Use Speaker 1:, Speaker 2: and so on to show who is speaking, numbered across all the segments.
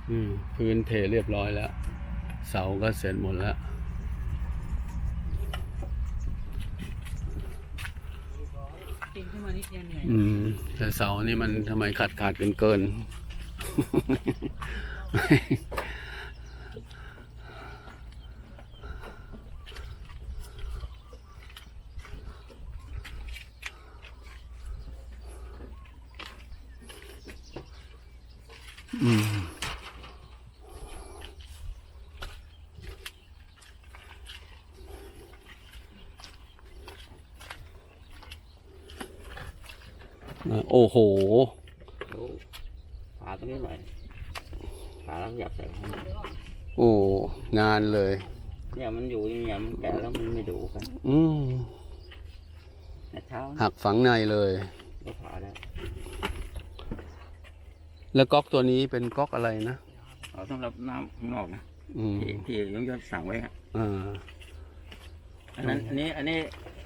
Speaker 1: พื้นเทเรียบร้อยแล้วเสาก็เสร็จหมดแล้ว
Speaker 2: ปีนขึ้นมานิดเดียวเหนื่อย
Speaker 1: แต่เสานี่มันทำไมขาดเกินโอ้โห
Speaker 3: ฝาตรงนี้หน่อยฝาแล้วอยากใส่ให้
Speaker 1: โอ้งานเลย
Speaker 3: เนี่ยมันอยู่เนี่ยมันแก่แล้วมันไม่ดูกันเช้า
Speaker 1: หักฝังในเลย
Speaker 3: ก็ฝาได้
Speaker 1: แล้วก๊อกตัวนี้เป็นก๊อกอะไรนะ
Speaker 3: เอาสำหรับน้ำข้างนอกนะที่ยงสั่งไว้ฮะอันนี้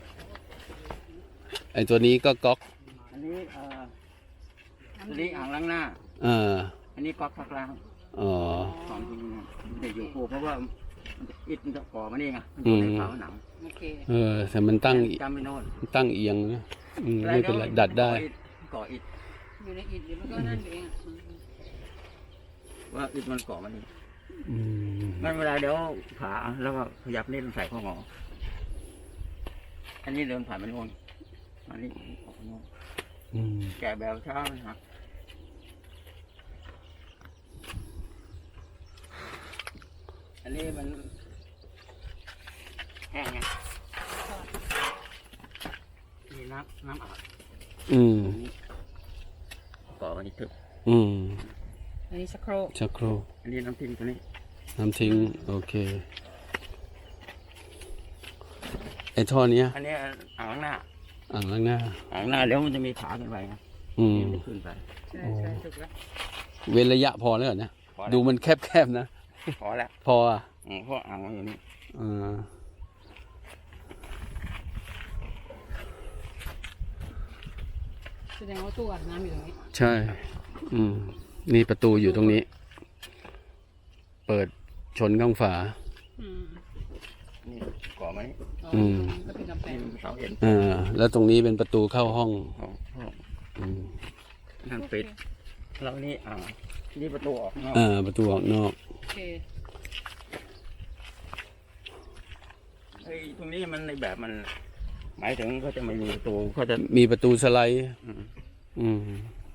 Speaker 1: ไอตัวนี้ก็ก๊อก
Speaker 3: อันนี้อ่างล้างหน้าอันนี้ก๊อกซักล้างของจริงนะมันจะอยู่คู่เพราะว่าอิฐมันจะก่อมานี่ไงมันอยู่ในฝาหนัง
Speaker 1: แต่มันตั้ง
Speaker 3: จำไม่โน่น
Speaker 1: ตั้งเอียงนะไม่เป็นไรดัดได้
Speaker 3: ก่ออิฐ
Speaker 2: อยู่ในอิฐเดี๋ยวมันก็นั่นเอง
Speaker 3: ว่าอิฐมันก่อมานี่มันเวลาเดี๋ยวผ่าแล้วก็ขยับนี่ต้องใส่ข้อหงออันนี้เดินผ่านมันโน่นอันนี้ออกโน่นแกะแบบช้ามันหักอันนี้มันแห้งไงนี่น้ำอาบก่อวันนี้ทึบ
Speaker 2: อันนี้ชักโครก
Speaker 3: อันนี้น้ำทิ้งตัวนี้
Speaker 1: น้ำทิ้งโอเคไอ้ท่อนี้
Speaker 3: อันนี้อ่างล้างหน้าเดี๋ยวมันจะมีขาขึ้นไปนะขึ้นไป
Speaker 2: ใช่ถูกแล้ว
Speaker 1: เว้นระยะพอแล้วเนี่ยดูมันแคบๆนะ
Speaker 3: พอแล้ว
Speaker 1: พอ
Speaker 3: เพราะอ่างมันอยู่นี่
Speaker 2: แสดงว่าตู้อาบน้ำอยู่ตรงนี้
Speaker 1: ใช่นี่ประตูอยู่ตรงนี้เปิดชนข้างฝา
Speaker 3: นี่ก่อไหม
Speaker 2: ก็เป็นกำแพง
Speaker 3: เสาเอ็น
Speaker 1: แล้วตรงนี้เป็นประตูเข้าห้อง
Speaker 3: นั่นปิดแล้วนี่นี่ประตูออกนอก
Speaker 1: ประตูออกนอก
Speaker 3: ตรงนี้มันในแบบมันหมายถึงเขาจะไม่มีประตูเขาจะ
Speaker 1: มีประตูสไลด์